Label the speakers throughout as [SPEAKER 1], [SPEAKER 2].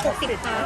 [SPEAKER 1] 60ค่ะ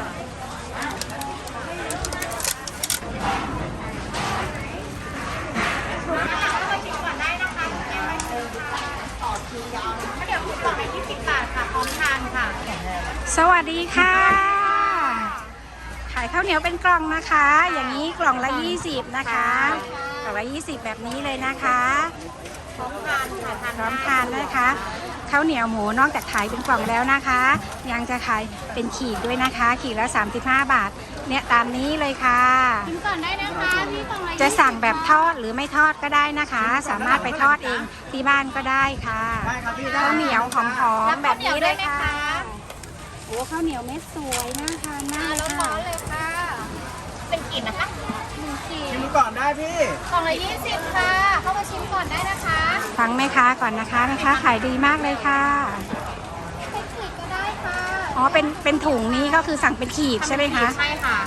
[SPEAKER 1] เดี๋ยวคุณกล่องไป20 บาทค่ะพร้อมทานค่ะ
[SPEAKER 2] สวัสดีค่ะ ขายข้าวเหนียวเป็นกล่องนะคะ อย่างนี้กล่องละ20นะคะกล่องละ20แบบนี้เลยนะคะ
[SPEAKER 1] พร้อมทานค่ะ
[SPEAKER 2] พร้อมทานนะคะข้าวเหนียวหมูนอกจากขายเป็นกล่องแล้วนะคะ ยังจะขายเป็นขีดด้วยนะคะ ขีดละ35 บาทเนี่ยตามนี้เลยค่ะ
[SPEAKER 1] ชิมก่อนได้นะคะพี่กล่องละ
[SPEAKER 2] จะสั่งแบบทอดหรือไม่ทอดก็ได้นะคะ สามารถไปทอดเองที่บ้านก็ได้ค่ะข้าวเหนียวหอมๆแบบนี้เลยค่ะโอ้ข้าวเหนียวเม็ดสวยน่าทานมากเลย
[SPEAKER 1] ร้
[SPEAKER 2] ค่ะ
[SPEAKER 1] อนๆเลยค่ะ เป็นกลิ่นนะคะ1 ขีด
[SPEAKER 3] ชิมก่อนได้พี่
[SPEAKER 1] กล่องละ20ค่ะ เข้ามาชิมก่อนได้นะคะ
[SPEAKER 2] ฟังแม่ค้าก่อนนะคะแม่ค้าขายดีมากเลยค่ะ
[SPEAKER 1] เป็นขีดก็ได้ค่ะ
[SPEAKER 2] อ๋อเป็นถุงนี้ก็คือสั่งเป็นขีดใช่ไหมคะ
[SPEAKER 1] ใช่ค่ะ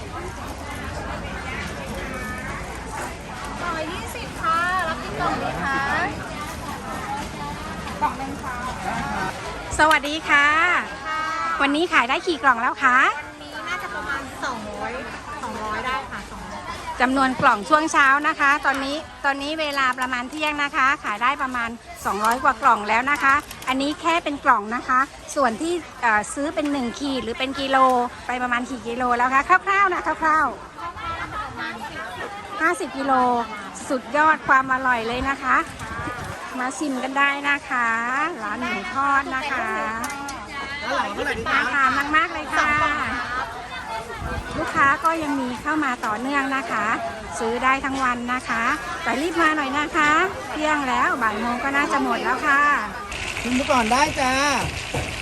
[SPEAKER 1] กล่องละ20ค่ะ รับที่กล่องนี้ค่ะกล่องนึงค่ะ
[SPEAKER 2] สวัสดีค่ะ
[SPEAKER 1] ค่ะ
[SPEAKER 2] วันนี้ขายได้กี่กล่องแล้วคะ
[SPEAKER 1] วันนี้น่าจะประมาณ200ได้ค่ะ200
[SPEAKER 2] จำนวนกล่องช่วงเช้านะคะ ตอนนี้เวลาประมาณเที่ยงนะคะ ขายได้ประมาณ200 กว่ากล่องแล้วนะคะ อันนี้แค่เป็นกล่องนะคะ ส่วนที่ซื้อเป็น1ขีดหรือเป็นกิโลไปประมาณกี่กิโลแล้วคะคร่าวๆนะคร่าวๆ50 กิโลสุดยอดความอร่อยเลยนะคะ มาชิมกันได้นะคะร้านหมูทอดนะคะ
[SPEAKER 3] แล้วหลังเท่าไหร่ดี
[SPEAKER 2] น่า
[SPEAKER 3] จ๊ะ
[SPEAKER 2] ทานมากๆเลยค่ะ ลูกค้าก็ยังมีเข้ามาต่อเนื่องนะคะ ซื้อได้ทั้งวันนะคะแต่รีบมาหน่อยนะคะเที่ยงแล้วบ่ายโมงก็น่าจะหมดแล้วค่ะ
[SPEAKER 3] ชิมก่อนได้จ้า